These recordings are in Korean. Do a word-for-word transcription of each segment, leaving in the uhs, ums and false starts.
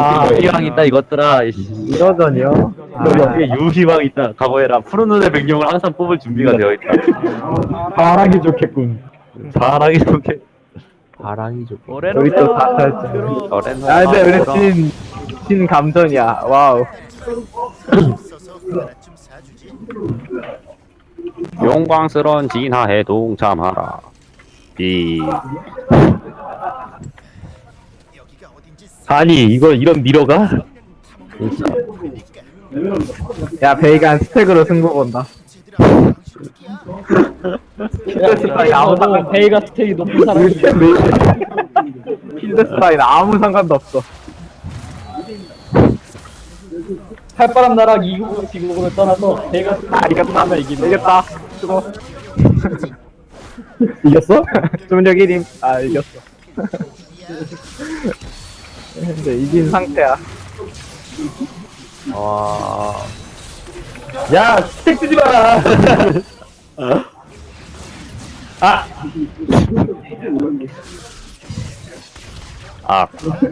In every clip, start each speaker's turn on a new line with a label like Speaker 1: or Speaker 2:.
Speaker 1: 아,
Speaker 2: 유희왕 있다 이것들아.
Speaker 1: 이러전이요?
Speaker 2: 여기에 유희왕 있다. 각오해라. 푸른 눈의 백룡을 항상 뽑을 준비가 되어 있다.
Speaker 1: 바라기 좋겠군.
Speaker 2: 잘하기 좋게.
Speaker 3: 바람이 좋고.
Speaker 1: 우리 또 다 살짝.
Speaker 2: 저래는
Speaker 1: 아, 근데 우리 진, 진 감전이야. 와우.
Speaker 2: 영광스러운 진화에 동참하라. 이 아니 이걸 이런 미러가? 진짜.
Speaker 1: 야, 베이간 스택으로 승부 본다. 필드 스타일 아무 상관
Speaker 4: 베이가 스택이 높은 사람이
Speaker 1: 필드 스타일 아무 상관도 없어.
Speaker 4: 칼바람 나락 이국으로 지국으로 떠나서 베이가 스택이
Speaker 1: 아, 이겼다.
Speaker 4: 하면 이기는
Speaker 1: 이겼다. 수고. 이겼어? 주문력 일 임. 아, 이겼어. 근데 이긴 상태야.
Speaker 2: 와.
Speaker 1: 야, 스택 쓰지 마! 아!
Speaker 2: 아.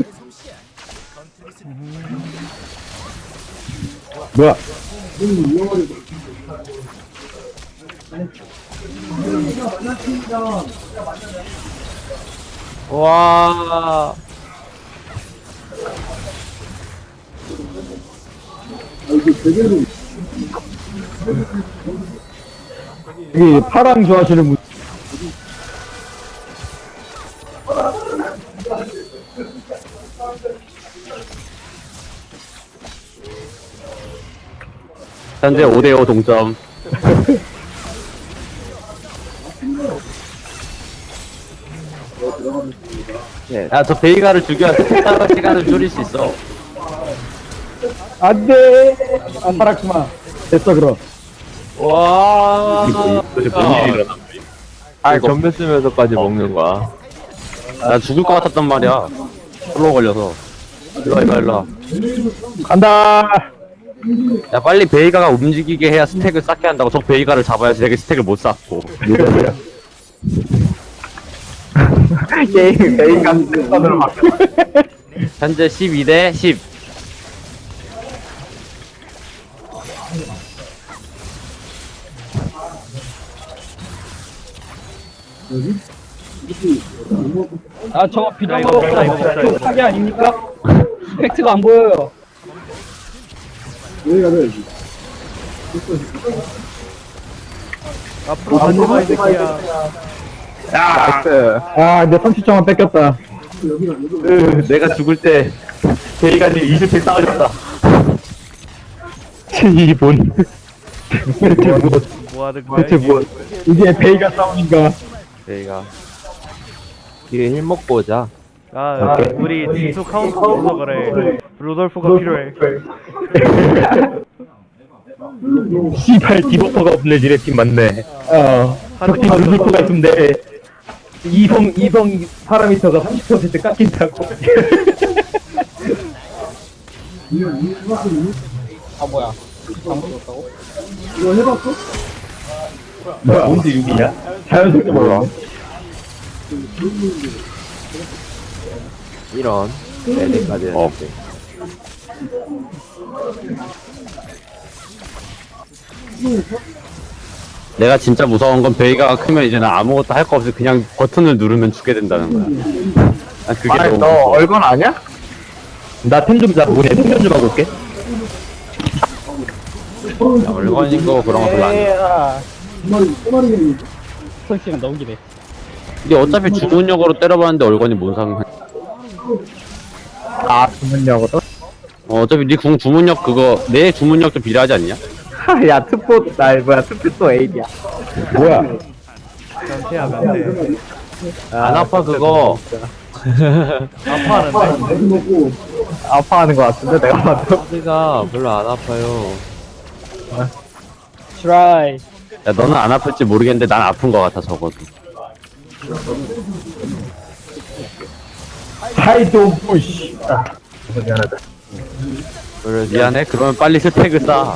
Speaker 1: 뭐야?
Speaker 2: 와.
Speaker 1: 여기 파랑 좋아하시는 분.
Speaker 2: 현재 오 대 오 동점. 네. 야, 저 베이가를 죽여야 색다른 시간을 줄일 수 있어.
Speaker 1: 안 돼! 안 팔았구만. 됐어, 그럼.
Speaker 2: 와. 도대체 뭔 일이 일어나?
Speaker 3: 아, 전면 쓰면서까지 먹는 거야.
Speaker 2: 나 죽을 것 같았단 말이야. 플로우 걸려서. 일로와, 일로와, 일로와.
Speaker 1: 간다!
Speaker 2: 야, 빨리 베이가가 움직이게 해야 스택을 쌓게 한다고. 저 베이가를 잡아야지 내가 스택을 못 쌓고.
Speaker 1: 게임, 베이간 스선으로 바뀌었어.
Speaker 2: 현재 십이 대 십.
Speaker 4: 아 저거 비정거 이거 사기 아닙니까? 팩트가 안 보여요. 앞으로 던져봐 이 새끼야.
Speaker 1: 나이스. 아, 내 삼십 점만 뺏겼다.
Speaker 2: 으, 내가 죽을 때 베이가님 이십 팩 쌓아줬다. 이 본.
Speaker 1: 대체 뭐,
Speaker 4: 뭐 하는 거야?
Speaker 1: 대체 뭐. 이게 베이가 싸움인가?
Speaker 2: 베이가.
Speaker 3: 뒤에 힐 먹고 오자.
Speaker 4: 아,
Speaker 1: 오케이.
Speaker 4: 우리 지수 카운트 없어서 그래. 루돌프가 필요해.
Speaker 2: 씨발 디버퍼가 없네 지네 팀 맞네.
Speaker 1: 어. 적팀 루돌프가 있으면 돼. 이성, 이성 파라미터가 삼십 퍼센트 깎인다고.
Speaker 4: 아 뭐야? 잘못 썼다고?
Speaker 1: 뭐야, 뭔데 육이냐? 자연스럽게 몰라.
Speaker 3: 이런. 네네까지
Speaker 2: 어.
Speaker 3: 했는데.
Speaker 2: 내가 진짜 무서운 건 베이가가 크면 이제는 아무것도 할 거 없이 그냥 버튼을 누르면 죽게 된다는 거야. 아, 그게
Speaker 1: 아니,
Speaker 2: 너무
Speaker 1: 너
Speaker 2: 무서워.
Speaker 1: 얼건 아냐?
Speaker 2: 나 템 좀 잡고 그냥 템 좀 하고 올게. 야, 물건인 거 그런 거 별로 안 돼.
Speaker 4: 설시간 너무 기네.
Speaker 2: 근데 어차피 주문력으로 때려봤는데 얼건이 뭔 상관?
Speaker 1: 아, 주문력으로?
Speaker 2: 어, 어차피 네 궁 주문력 그거 내 주문력도 비례하지 않냐?
Speaker 1: 하, 야, 트포, 나, 뭐야, 트포 에이디야. 뭐야?
Speaker 4: 변태야 변태.
Speaker 2: 안 아파 그거.
Speaker 4: 아파하는데?
Speaker 1: 아파하는 것 같은데, 내가 봐도.
Speaker 3: 피가 별로 안 아파요.
Speaker 4: 트라이.
Speaker 2: 야 너는 안 아플지 모르겠는데 난 아픈 거 같아 적어도.
Speaker 1: 사이도 부시. 아, 미안하다.
Speaker 3: 그래,
Speaker 2: 미안해. 그러면 빨리 스택을 쌓아.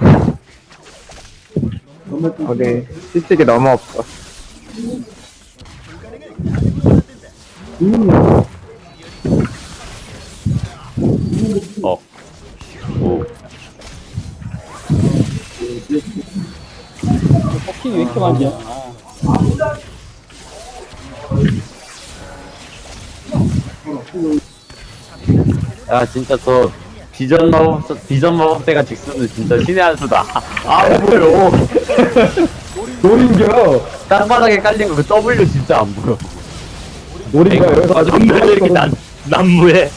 Speaker 1: 우리 실직이 너무 없어.
Speaker 2: 어. 오.
Speaker 4: 버킹이 왜 이렇게 많냐?
Speaker 2: 야, 진짜 저 비전 마법, 비전 마법대가 직수는 진짜 신의 한 수다. 아, 보여.
Speaker 1: 노린겨.
Speaker 2: 땅바닥에 깔린 거 그 W 진짜 안 보여.
Speaker 1: 노린겨 여기서 아주
Speaker 2: 왜 이렇게 난, 난무해.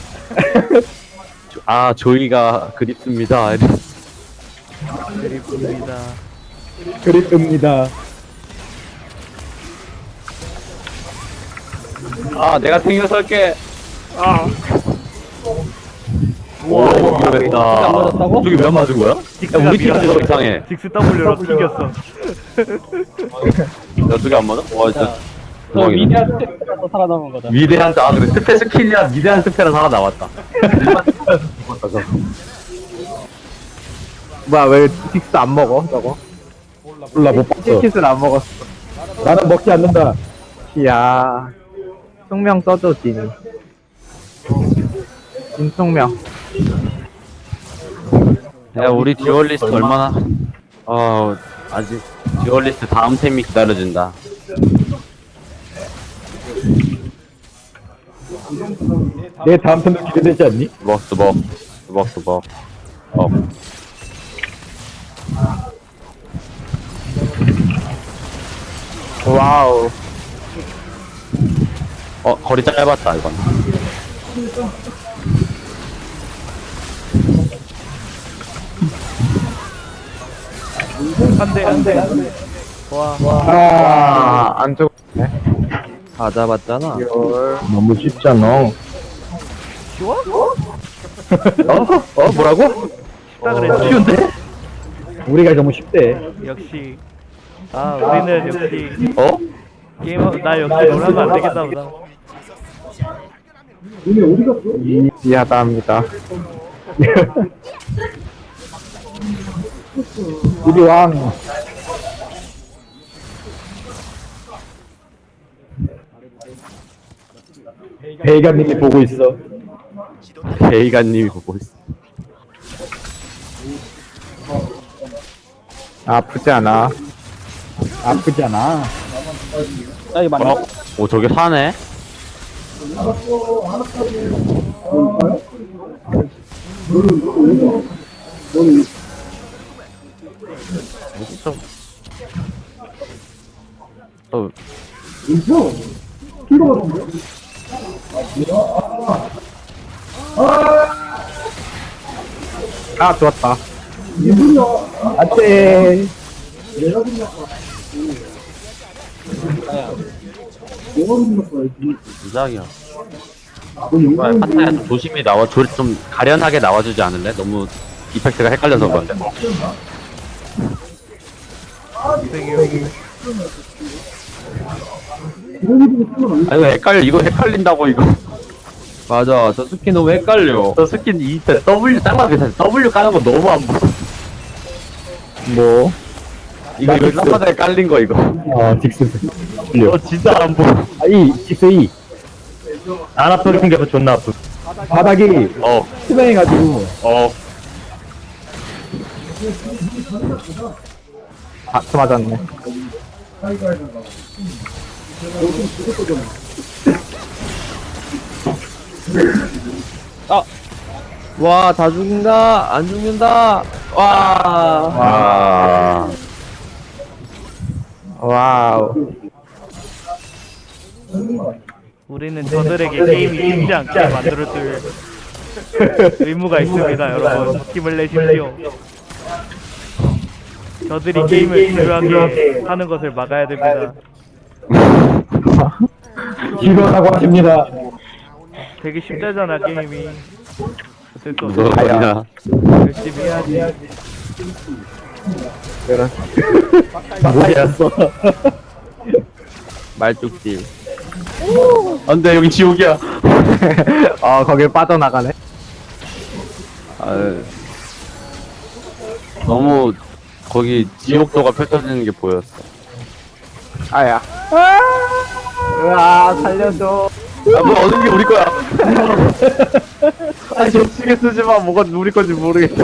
Speaker 2: 아, 조이가 그립습니다.
Speaker 3: 그립습니다.
Speaker 1: 그립습니다.
Speaker 2: 아, 내가 탱겨 설게. 아. 우와,
Speaker 4: 안
Speaker 2: 위험했다.
Speaker 4: 맞았다고?
Speaker 2: 저기 왜 안 맞은 거야? 야, 우리 팀이 더 이상해.
Speaker 5: 직스 W로 튕겼어.
Speaker 2: 야, 저기 안 맞아? 와, 진짜.
Speaker 4: 저
Speaker 2: 대박이다.
Speaker 4: 위대한 스텝에서 살아남은 거다.
Speaker 2: 위대한, 아, 그래. 스페 스킬이야. 위대한 스페라 살아남았다. 죽었다, 저거.
Speaker 3: 뭐야, 왜 틱스 안 먹어, 저거?
Speaker 1: 몰라 못 봤어.
Speaker 3: 틱스를 안 먹었어.
Speaker 1: 나는 먹지 않는다.
Speaker 3: 야 숙명 써줘, 진. 진숙명.
Speaker 2: 야, 우리 듀얼리스트 얼마나, 어, 아직, 듀얼리스트 다음 템이 기다려진다.
Speaker 1: 내 다음 편도 기대되지 않니?
Speaker 2: 먹스, 먹. 먹스, 먹. 어.
Speaker 3: 와우.
Speaker 2: 어, 거리 짧았다, 이건.
Speaker 5: 안돼 안돼. 와.
Speaker 1: 아,
Speaker 3: 안 죽었네. 다 잡았잖아.
Speaker 1: 너무 쉽잖아.
Speaker 5: 쉬워?
Speaker 1: 어? 어? 뭐라고?
Speaker 5: 쉽다 그랬지.
Speaker 1: 쉬운데? 우리가 너무 쉽대.
Speaker 5: 역시. 아 우리는 역시
Speaker 2: 어?
Speaker 5: 게이머 나 역시 놀라면 안 되겠다 보다.
Speaker 3: 미안합니다.
Speaker 1: 우리 왕. 베이가님이 보고 있어.
Speaker 2: 베이가님이 보고 있어.
Speaker 3: 아프지 않아.
Speaker 1: 아프지 않아.
Speaker 4: 야, 이거 맞나?
Speaker 2: 어? 오, 저게 사네? 진짜. 어,
Speaker 3: 아, 좋았다.
Speaker 1: 안돼.
Speaker 2: 이상이야. 정말 파타야 좀 조심히 나와, 조, 좀 가련하게 나와주지 않을래? 너무 이펙트가 헷갈려서 그런데. 아, 이거 헷갈려. 이거 헷갈린다고, 이거.
Speaker 3: 맞아, 저 스킨 너무 헷갈려.
Speaker 2: 저 스킨 이 W, 짱만 비슷해. W 까는 거 너무 안 보여.
Speaker 1: 뭐?
Speaker 2: 이거, 이거 쌍바닥에 깔린 거, 이거.
Speaker 1: 아, 딕스.
Speaker 2: 이거 진짜 안 보여.
Speaker 1: 아, 이, 딕스 이.
Speaker 2: 안 아프게 생겨서 존나 아프.
Speaker 1: 바닥이
Speaker 2: 어,
Speaker 1: 투명해가지고.
Speaker 2: 어.
Speaker 3: 아, 또 맞았네.
Speaker 4: 아,
Speaker 3: 와, 다 죽는다. 안 죽는다. 와.
Speaker 2: 와.
Speaker 3: 와우.
Speaker 5: 우리는 저들에게 게임이 쉽지 않게 만들어줄 의무가 있습니다, 여러분. 힘을 내십시오. 저들이 게임을 지루하게 하는 것을 막아야 됩니다.
Speaker 1: 지루하다고 하십니다.
Speaker 5: 되게 쉽다잖아, 게임이. 어쩔 수
Speaker 2: 무서워,
Speaker 5: 없어.
Speaker 2: 그냥.
Speaker 5: 열심히 해야지.
Speaker 1: 뭐였어?
Speaker 3: 말뚝질.
Speaker 2: 안 돼, 여기 지옥이야.
Speaker 3: 아, 거길 빠져나가네.
Speaker 2: 아, 너무, 거기 지옥도가 펼쳐지는 게 보였어.
Speaker 3: 아야. 으아, 살려줘.
Speaker 2: 아, 뭐, 얻은 게 우리 거야.
Speaker 3: 아니 격식에 쓰지마. 뭐가 우리 건지 모르겠어.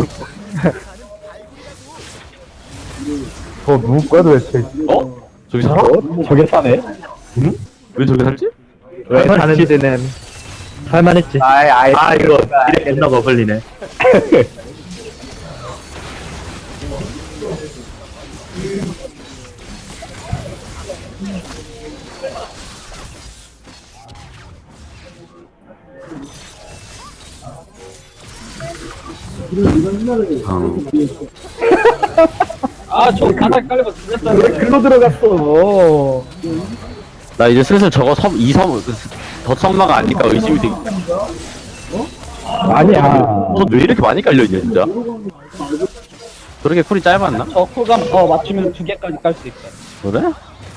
Speaker 1: 저 누구 거야 도대체?
Speaker 2: 어? 저기 살아?
Speaker 1: 어? 저게 사네?
Speaker 2: 왜 저기 살지?
Speaker 3: 왜 사는지는.
Speaker 1: 살만했지.
Speaker 3: 아이 아이.
Speaker 1: 아 이거 이래 존나 거슬리네.
Speaker 2: 어.
Speaker 4: 아저 바닥 깔려서
Speaker 1: 왜
Speaker 4: 죽였다는데.
Speaker 1: 글로 들어갔어?
Speaker 2: 나 이제 슬슬 저거 섬, 이 섬, 더 섬마가 아닐까 의심이 되기.
Speaker 1: 아니야.
Speaker 2: 어, 왜 이렇게 많이 깔려있냐, 진짜? 그렇게 쿨이 짧았나?
Speaker 4: 저 쿨감 더 맞추면 두 개까지 깔 수 있어.
Speaker 2: 그래?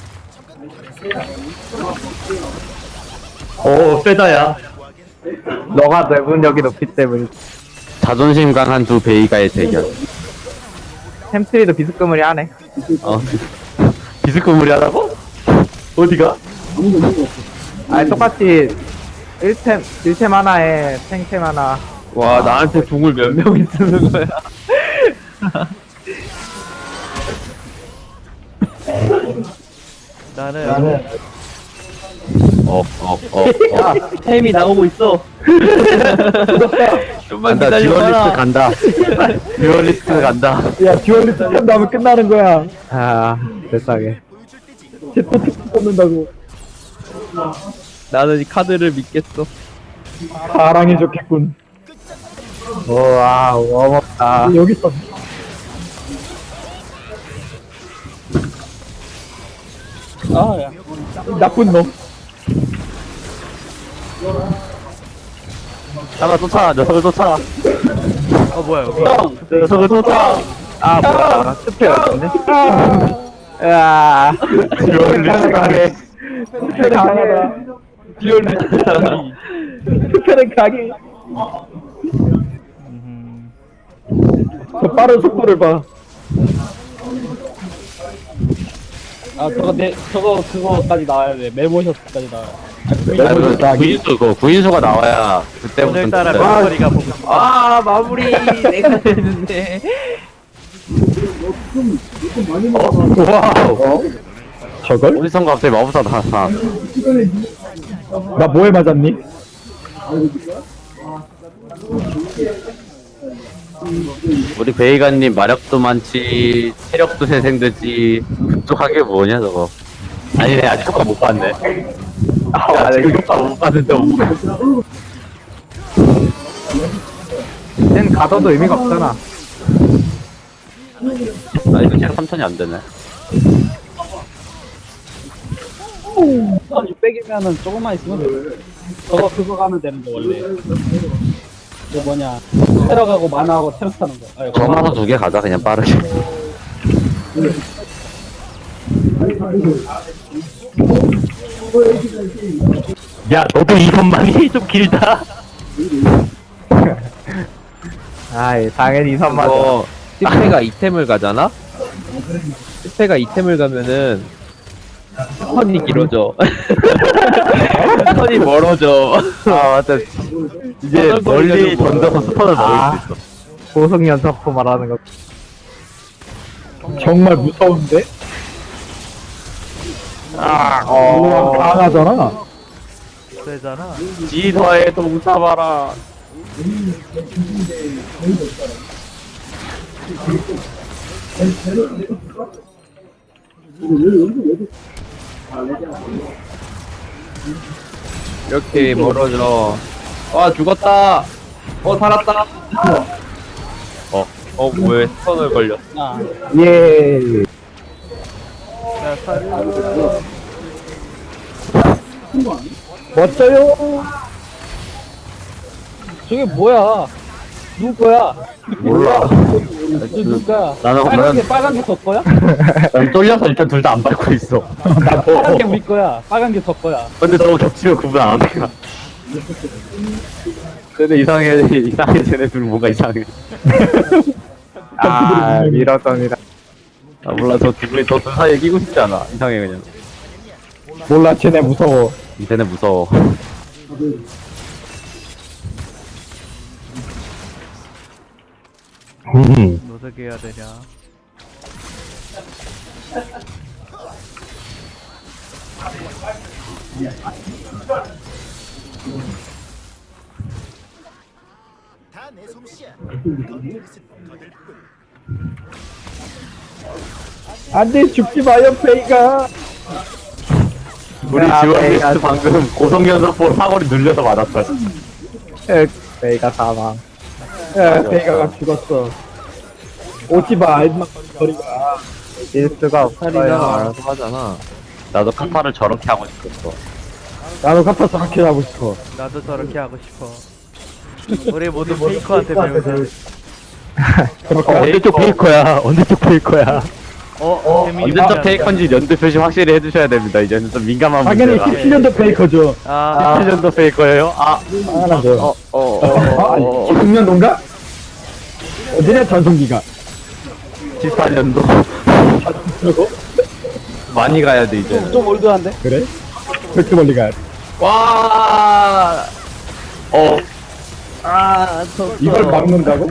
Speaker 1: 오 세다야.
Speaker 3: 너가 내분력이 높기 때문에.
Speaker 2: 자존심 강한 두 베이가의 대결.
Speaker 3: 햄스트리도 비스크물이 하네.
Speaker 2: 어, 비스코물이 하다고? 어디가?
Speaker 3: 아니 똑같이 일 템 일 템 하나에 탱템 하나.
Speaker 2: 와, 나한테 궁을 몇 명이 쓰는 거야?
Speaker 5: 나는
Speaker 2: 어, 어, 어, 어.
Speaker 4: 템이 나오고 있어.
Speaker 2: 좀만 간다, 듀얼리스트 간다. 듀얼리스트 간다.
Speaker 1: 야 듀얼리스트 한 다음에 끝나는 거야.
Speaker 3: 아 세상에.
Speaker 1: 제또 특수 뽑는다고.
Speaker 3: 나는 이 카드를 믿겠어.
Speaker 1: 사랑이 좋겠군.
Speaker 3: 우와 워먹다.
Speaker 1: 여기 있어.
Speaker 4: 아야.
Speaker 1: 나쁜 놈.
Speaker 2: 잡아, 쫓아, 녀석을 쫓아.
Speaker 5: 어 뭐야 여기
Speaker 2: 녀석을 쫓아.
Speaker 3: 아 뭐야 스페 같은데? 으아.
Speaker 2: 듀얼리스트 가게.
Speaker 1: 특별히 강하다.
Speaker 4: 듀얼리스트.
Speaker 1: 특별히 강해.
Speaker 5: 음,
Speaker 1: 저 빠른 속도를 봐.
Speaker 4: 아 저거 내 저거 그거까지 나와야 돼. 메모셔츠까지 나와.
Speaker 2: 아, 그 구인수, 그 구인수가 나와야 그때부터.
Speaker 5: 오늘따라
Speaker 2: 진짜-
Speaker 5: 멤버리가 보고 싶어.
Speaker 3: 아 마무리 내가 되는데.
Speaker 1: 와우. 저걸?
Speaker 2: 어디선가 갑자기 마법사 나왔어.
Speaker 1: 나 뭐에 맞았니?
Speaker 2: 우리 베이가님 마력도 많지, 체력도 세생되지. 급속하게 뭐냐, 저거. 아니네, 아직 효과 못 봤네. 아, 지금 효과 못 봤는데, 못 봤어.
Speaker 3: 쟤는 가둬도 의미가 없잖아.
Speaker 2: 아, 이거 체력 삼천이 안 되네.
Speaker 4: 한 육백이면은 조금만 있으면 돼. 저거 그거 가면 되는데 원래. 그 뭐냐 테러가고 만화하고 테러 타는 거. 아니,
Speaker 2: 전화서 두 개 가자, 그냥 빠르게. 야, 너도 이것만이 좀 길다.
Speaker 3: 아이 당연히 이선 맞아.
Speaker 6: 이거 스페가 이템을 가잖아? 스페가 이템을 가면은 턴이 길어져. 턴이 멀어져.
Speaker 2: 아, 맞다. 이제 멀리 던져서 스턴을 먹을 수 있어.
Speaker 3: 고속 연속포 말하는 거.
Speaker 1: 정말 무서운데?
Speaker 2: 아,
Speaker 1: 어. 강하잖아.
Speaker 5: 세잖아.
Speaker 2: 지서에 동 잡아라.
Speaker 6: 이렇게 멀어져. 와 죽었다. 어 살았다.
Speaker 2: 어, 어, 왜 스턴을 걸렸어?
Speaker 4: 아,
Speaker 1: 예.
Speaker 5: 야 사료.
Speaker 1: 멋져요.
Speaker 4: 저게 뭐야? 누구 거야?
Speaker 2: 몰라.
Speaker 4: 저 누구 거야?
Speaker 2: 나는
Speaker 4: 빨간 게
Speaker 2: 그냥-
Speaker 4: 빨간 게 저 거야?
Speaker 2: 난 쫄려서 일단 둘 다 안 밟고 있어.
Speaker 4: 빨간 게 우리 거야. 빨간 게 저 거야.
Speaker 2: 근데 저거 겹치면 구분 안 해. 근데 이상해, 이상해, 쟤네 둘 뭔가 이상해.
Speaker 3: 아 밀어점이다.
Speaker 2: 아, 몰라, 저 둘이, 저둘 사이에 끼고 싶지 않아. 이상해, 그냥.
Speaker 1: 몰라 쟤네 무서워.
Speaker 2: 쟤네 무서워.
Speaker 1: 음.
Speaker 5: 어떻게 해야 되냐.
Speaker 1: 안돼 죽지 마요 베이가.
Speaker 2: 우리
Speaker 3: 야,
Speaker 2: 지원리스트
Speaker 3: 베이가-
Speaker 2: 방금 고성연속보 사거리 눌려서 맞았어.
Speaker 3: 에, 베이가 사망.
Speaker 1: 야 베이가가 죽었어. 오지 마 임마 거리가.
Speaker 3: 이길 수가
Speaker 6: 카리나가
Speaker 3: 없어요.
Speaker 6: 알아서 하잖아.
Speaker 2: 나도 카타를 저렇게 하고 싶었어.
Speaker 1: 나도 카타 저렇게 하고 싶어.
Speaker 5: 나도 저렇게 하고 싶어. 우리 모두 페이커한테 배우자.
Speaker 1: 어, 언제적 베이커야? 언제적 베이커야?
Speaker 5: 어, 재민이
Speaker 2: 언제적 페이커인지 연도 표시 확실히 해주셔야 됩니다. 이제는 좀 민감한
Speaker 1: 당연히
Speaker 2: 문제라.
Speaker 1: 십칠 년도 베이커죠.
Speaker 5: 아,
Speaker 2: 십칠 년도 페이커예요? 아,
Speaker 1: 당연하죠.
Speaker 2: 어, 어, 어,
Speaker 1: 아, 아니,
Speaker 2: 어, 어,
Speaker 1: 십육 년도인가? 어디냐 전성기가.
Speaker 2: 십사 년도. 많이 가야 돼 이제.
Speaker 4: 좀 올드한데?
Speaker 1: 그래? 그렇게 멀리 가야 돼.
Speaker 2: 와, 어,
Speaker 4: 아, 저,
Speaker 1: 이걸 막는다고?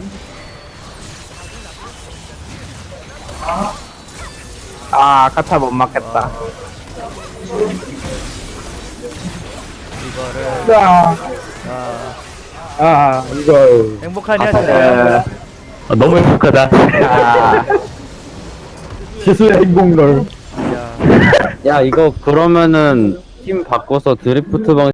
Speaker 3: 아, 카타 못 맞겠다.
Speaker 5: 이거를
Speaker 1: 아,
Speaker 5: 아,
Speaker 1: 아 이거.
Speaker 5: 행복하냐
Speaker 1: 아,
Speaker 5: 진짜.
Speaker 2: 아, 너무 행복하다.
Speaker 3: 아,
Speaker 1: 지수의 행복롤.
Speaker 5: 야.
Speaker 2: 야, 이거 그러면은 팀 바꿔서 드리프트 방